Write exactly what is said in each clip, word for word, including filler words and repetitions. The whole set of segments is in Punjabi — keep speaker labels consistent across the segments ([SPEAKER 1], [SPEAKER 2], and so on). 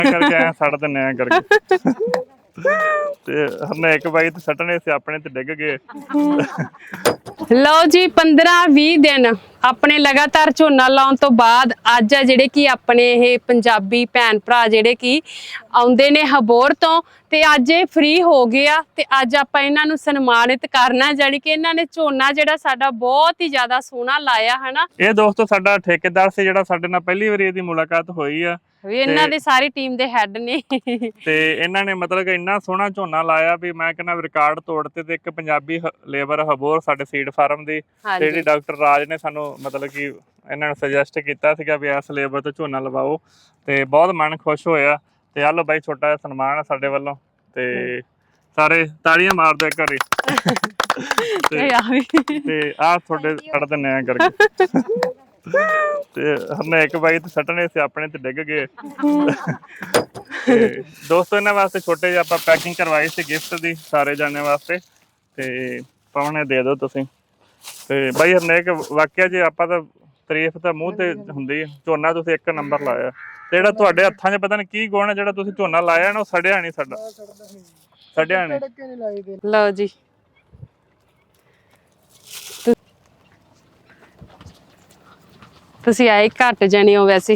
[SPEAKER 1] करके आए सड़ दिन्ने आ करके ते हरनेक बाई ते सट्टने से अपने ते डिग गए।
[SPEAKER 2] लो जी पंद्रह बीस दिन अपने लगातार झोना लाउण तो बाद अज आ जिहड़े कि अपने ये पंजाबी भैन भरा जिहड़े कि आउंदे ने हबोर तो ते अज ये फ्री हो गए आ ते अज आपां इन्हां नूं सन्मानित करना जानी कि इन्हां ने झोना जिहड़ा साडा बहुत ही ज्यादा सोहना लाया है ना।
[SPEAKER 1] ਇਹ ਦੋਸਤੋ ਸਾਡਾ ਠੇਕੇਦਾਰ ਸੀ ਜਿਹੜਾ ਸਾਡੇ ਨਾਲ ਪਹਿਲੀ ਵਾਰੀ ਇਹਦੀ ਮੁਲਾਕਾਤ ਹੋਈ ਆ
[SPEAKER 2] ਵੀ ਇਹਨਾਂ ਦੀ ਸਾਰੀ ਟੀਮ ਦੇ ਹੈਡ ਨੇ
[SPEAKER 1] ਤੇ ਇਹਨਾਂ ਨੇ ਮਤਲਬ ਕਿ ਇੰਨਾ ਸੋਹਣਾ ਝੋਨਾ ਲਾਇਆ ਵੀ ਮੈਂ ਕਹਿੰਦਾ ਰਿਕਾਰਡ ਤੋੜਤੇ ਤੇ ਇੱਕ ਪੰਜਾਬੀ ਲੇਬਰ ਹਬੋਰ ਸਾਡੇ ਸੀਡ ਫਾਰਮ ਦੀ ਤੇ ਜਿਹੜੀ ਡਾਕਟਰ ਰਾਜ ਨੇ ਸਾਨੂੰ ਮਤਲਬ ਕਿ ਇਹਨਾਂ ਨੂੰ ਸੁਜੈਸਟ ਕੀਤਾ ਸੀਗਾ ਵੀ ਇਸ ਲੇਬਰ ਤੋਂ ਝੋਨਾ ਲਵਾਓ ਤੇ ਬਹੁਤ ਮਨ ਖੁਸ਼ ਹੋਇਆ ਤੇ ਆ ਲੋ ਬਾਈ ਛੋਟਾ ਜਿਹਾ ਸਨਮਾਨ ਆ ਸਾਡੇ ਵੱਲੋਂ ਤੇ ਸਾਰੇ ਤਾੜੀਆਂ ਮਾਰ ਦਿਓ ਇੱਕ ਵਾਰੀ ਤੇ ਆ ਤੁਹਾਡੇ ਛੱਡ ਦਿੰਨੇ ਆ ਕਰਕੇ ਤੇ ਹਰਨੇਕ ਬਾਈ ਤੇ ਸੱਟਣੇ ਸੀ ਆਪਣੇ ਤੇ ਡਿੱਗ ਗਏ। ਤੇ ਦੋਸਤੋ ਇਹਨਾਂ ਵਾਸਤੇ ਛੋਟੇ ਜਿਹੇ ਆਪਾਂ ਪੈਕਿੰਗ ਕਰਵਾਈ ਸੀ ਗਿਫਟ ਦੀ ਸਾਰੇ ਜਾਣੇ ਵਾਸਤੇ ਤੇ ਪਾਉਣੇ ਦੇ ਦਿਓ ਤੁਸੀਂ। ਤੇ ਬਾਈ ਹਰਨੇਕ ਵਾਕਿਆ ਜੇ ਆਪਾਂ ਤਾਂ ਤਾਰੀਫ ਤਾਂ ਮੂੰਹ ਤੇ ਹੁੰਦੀ ਹੈ, ਝੋਨਾ ਤੁਸੀਂ ਇੱਕ ਨੰਬਰ ਲਾਇਆ ਤੇ ਜਿਹੜਾ ਤੁਹਾਡੇ ਹੱਥਾਂ 'ਚ ਪਤਾ ਨਹੀਂ ਕੀ ਗੁਣ ਹੈ ਜਿਹੜਾ ਤੁਸੀਂ ਝੋਨਾ ਲਾਇਆ ਨਾ ਉਹ ਸੜਿਆ ਨਹੀਂ ਸਾਡਾ ਸੜਿਆ ਨਹੀਂ।
[SPEAKER 2] ਲਓ ਜੀ ਤੁਸੀਂ ਆਏ ਘੱਟ ਜਾਣੇ ਹੋ ਵੈਸੇ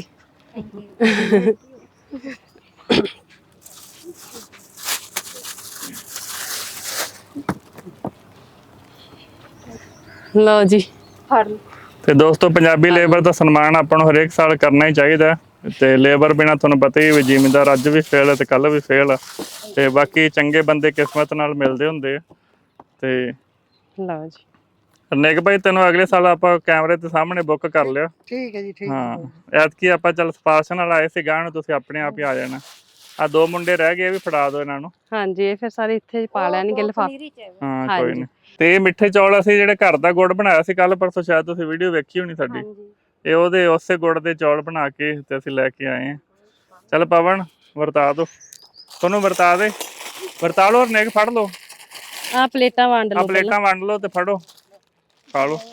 [SPEAKER 2] ਲਓ ਜੀ
[SPEAKER 1] ਤੇ ਦੋਸਤੋ ਪੰਜਾਬੀ ਲੇਬਰ ਦਾ ਸਨਮਾਨ ਆਪਾਂ ਨੂੰ ਹਰੇਕ ਸਾਲ ਕਰਨਾ ਹੀ ਚਾਹੀਦਾ ਤੇ ਲੇਬਰ ਬਿਨਾ ਤੁਹਾਨੂੰ ਪਤਾ ਹੀ ਵੀ ਜ਼ਿਮੀਂਦਾਰ ਅੱਜ ਵੀ ਫੇਲ ਹੈ ਤੇ ਕੱਲ ਵੀ ਫੇਲ ਆ ਤੇ ਬਾਕੀ ਚੰਗੇ ਬੰਦੇ ਕਿਸਮਤ ਨਾਲ ਮਿਲਦੇ ਹੁੰਦੇ ਆ। ਤੇ
[SPEAKER 2] ਲਓ ਜੀ
[SPEAKER 1] ਹਰਨੇਕ ਭਾਈ ਤੈਨੂੰ ਅਗਲੇ ਸਾਲ ਆਪਾਂ ਕੈਮਰੇ ਦੇ ਸਾਹਮਣੇ ਬੁੱਕ ਕਰ ਲਿਆ।
[SPEAKER 3] ਠੀਕ ਹੈ ਜੀ ਠੀਕ
[SPEAKER 1] ਹਾਂ ਐਤਕੀ ਆਪਾਂ ਚੱਲ ਸਪਾਰਸ਼ ਨਾਲ ਆਏ ਸੀ ਗਾਂ ਨੂੰ ਤੁਸੀਂ ਆਪਣੇ ਆਪ ਹੀ ਆ ਜਾਣਾ। ਆ ਦੋ ਮੁੰਡੇ ਰਹਿ ਗਏ ਵੀ ਫੜਾ ਦਿਓ ਇਹਨਾਂ ਨੂੰ।
[SPEAKER 2] ਹਾਂਜੀ ਇਹ ਫਿਰ ਸਾਰੇ ਇੱਥੇ ਪਾ ਲੈਣਗੇ ਲਿਫਾਫੇ।
[SPEAKER 1] ਹਾਂ ਕੋਈ ਨਹੀਂ। ਤੇ ਇਹ ਮਿੱਠੇ ਚੌਲ ਅਸੀਂ ਜਿਹੜੇ ਘਰ ਦਾ ਗੁੜ ਬਣਾਇਆ ਸੀ ਕੱਲ ਪਰਸੋਂ ਸ਼ਾਇਦ ਤੁਸੀਂ ਵੀਡੀਓ ਵੇਖੀ ਹੋਣੀ ਸਾਡੀ ਇਹ ਉਹਦੇ ਉਸੇ ਗੁੜ ਦੇ ਚੌਲ ਬਣਾ ਕੇ ਤੇ ਅਸੀਂ ਲੈ ਕੇ ਆਏ ਹਾਂ। ਚੱਲ ਪਵਨ ਵਰਤਾ ਦੋ ਤੁਹਾਨੂੰ ਵਰਤਾ ਦੇ ਵਰਤਾ ਲਓ ਹਰਨੇਕ ਫੜ ਲਓ
[SPEAKER 2] ਆ ਪਲੇਟਾਂ ਵੰਡ ਲਓ
[SPEAKER 1] ਆ ਪਲੇਟਾਂ ਵੰਡ ਲਓ ਤੇ ਫੜੋ ਪਾ ਲਓ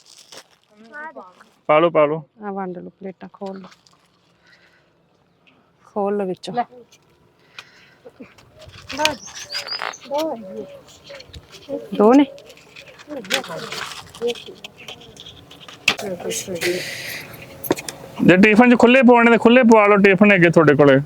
[SPEAKER 1] ਪਾ ਲਓ ਪਾ ਲਓ
[SPEAKER 2] ਆ ਵੰਡ ਲਓ ਪਲੇਟਾਂ ਖੋਲ ਲਓ ਖੋਲ ਲਓ ਵਿੱਚੋਂ ਦੋ ਨੇ
[SPEAKER 1] ਜੇ ਟਿਫਨ ਚ ਖੁੱਲੇ ਪਵਾਉਣੇ ਤੇ ਖੁੱਲੇ ਪਵਾ ਲਓ ਟਿਫਨ ਹੈਗੇ ਤੁਹਾਡੇ ਕੋਲੇ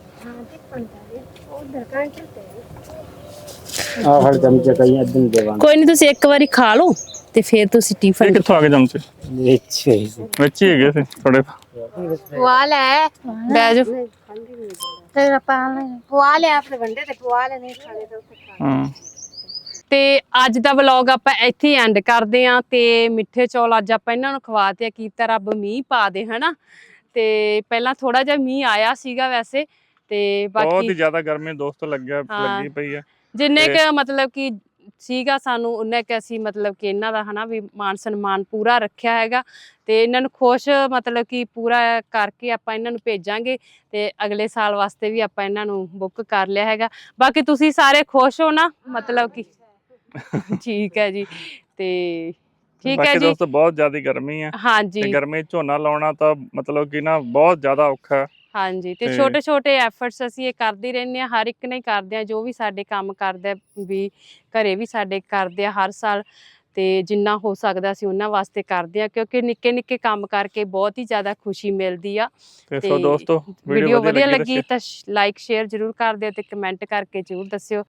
[SPEAKER 3] ਆ ਹਰ ਚਮਚੇ ਕਈ ਅੱਧਨ ਦੇਵਾਂ
[SPEAKER 2] ਕੋਈ ਨਹੀਂ ਤੁਸੀਂ ਇੱਕ ਵਾਰੀ ਖਾ ਲਓ ਤੇ ਫਿਰ ਤੁਸੀਂ
[SPEAKER 1] ਇਹ
[SPEAKER 2] ਟਿਫਨ
[SPEAKER 1] ਕਿੱਥੋਂ ਆ ਗਏ ਚਮਚੇ
[SPEAKER 3] ਵਿੱਚ
[SPEAKER 1] ਵਿੱਚ ਹੀ ਹੈਗੇ ਸੀ ਥੋੜੇ
[SPEAKER 4] ਪਵਾ ਲੈ
[SPEAKER 2] ਬਹਿ ਜਾਓ
[SPEAKER 4] ਤੇਰਾ ਪਾਲ ਪਵਾ ਲੈ ਆਪਣੇ ਵੰਡੇ ਤੇ ਪਵਾ ਲੈ ਨਹੀਂ ਖਾਣੇ ਤਾਂ ਉੱਥੇ ਖਾ
[SPEAKER 1] ਹਾਂ
[SPEAKER 2] ਤੇ ਅੱਜ ਦਾ ਵਲੌਗ ਆਪਾਂ ਇੱਥੇ ਹੀ ਐਂਡ ਕਰਦੇ ਆਂ ਤੇ ਮਿੱਠੇ ਚੌਲ ਅੱਜ ਆਪਾਂ ਇਹਨਾਂ ਨੂੰ ਖਵਾਤੇ ਆ ਕੀਤਾ ਰੱਬ ਮੀਂਹ ਪਾ ਦੇ ਹਨਾ। ਤੇ ਪਹਿਲਾਂ ਥੋੜਾ ਜਿਹਾ ਮੀਂਹ ਆਇਆ ਸੀਗਾ ਵੈਸੇ ਤੇ
[SPEAKER 1] ਬਹੁਤ ਹੀ
[SPEAKER 2] ਬਾਕੀ
[SPEAKER 1] ਜ਼ਿਆਦਾ ਗਰਮੀ ਦੋਸਤੋ ਲੱਗਿਆ ਲੱਗੀ ਪਈ ਆ
[SPEAKER 2] ਜਿੰਨੇ ਕ ਮਤਲਬ ਕਿ ਸੀਗਾ ਸਾਨੂੰ ਉਹਨੇ ਕਿ ਅਸੀਂ ਮਤਲਬ ਕਿ ਇਹਨਾਂ ਦਾ ਹਨਾ ਵੀ ਮਾਨ ਸਨਮਾਨ ਪੂਰਾ ਰੱਖਿਆ ਹੈਗਾ ਤੇ ਇਹਨਾਂ ਨੂੰ ਖੁਸ਼ ਮਤਲਬ ਕਿ ਪੂਰਾ ਕਰਕੇ ਆਪਾਂ ਇਹਨਾਂ ਨੂੰ ਭੇਜਾਂਗੇ ਤੇ ਅਗਲੇ ਸਾਲ ਵਾਸਤੇ ਵੀ ਆਪਾਂ ਇਹਨਾਂ ਨੂੰ ਬੁੱਕ ਕਰ ਲਿਆ ਹੈਗਾ। ਬਾਕੀ ਤੁਸੀਂ ਸਾਰੇ ਖੁਸ਼ ਹੋ ਨਾ ਮਤਲਬ ਕਿ ਠੀਕ ਹੈ ਜੀ ਤੇ ਠੀਕ ਹੈ ਜੀ
[SPEAKER 1] ਦੋਸਤੋ ਬਹੁਤ ਜ਼ਿਆਦਾ ਗਰਮੀ ਆ
[SPEAKER 2] ਹਾਂਜੀ
[SPEAKER 1] ਤੇ ਗਰਮੀ ਝੋਨਾ ਲਾਉਣਾ ਤਾਂ ਮਤਲਬ ਕਿ ਨਾ ਬਹੁਤ ਜ਼ਿਆਦਾ ਔਖਾ ਹੈ।
[SPEAKER 2] ਹਾਂਜੀ ਤੇ ਛੋਟੇ ਛੋਟੇ ਐਫਰਟਸ ਅਸੀਂ ਇਹ ਕਰਦੇ ਰਹਿੰਦੇ ਆ ਹਰ ਇੱਕ ਨੇ ਕਰਦੇ ਆ ਜੋ ਵੀ ਸਾਡੇ ਕੰਮ ਕਰਦਾ ਵੀ ਘਰੇ ਵੀ ਸਾਡੇ ਕਰਦੇ ਆ ਹਰ ਸਾਲ ਤੇ ਜਿੰਨਾ ਹੋ ਸਕਦਾ ਅਸੀਂ ਉਹਨਾਂ ਵਾਸਤੇ ਕਰਦੇ ਆ ਕਿਉਂਕਿ ਨਿੱਕੇ ਨਿੱਕੇ ਕੰਮ ਕਰਕੇ ਬਹੁਤ ਹੀ ਜ਼ਿਆਦਾ ਖੁਸ਼ੀ ਮਿਲਦੀ ਆ।
[SPEAKER 1] ਤੇ ਸੋ ਦੋਸਤੋ
[SPEAKER 2] ਵੀਡੀਓ ਵਧੀਆ ਲੱਗੀ ਤਾਂ ਲਾਈਕ ਸ਼ੇਅਰ ਜ਼ਰੂਰ ਕਰ ਦਿਓ ਤੇ ਕਮੈਂਟ ਕਰਕੇ ਜ਼ਰੂਰ ਦੱਸਿਓ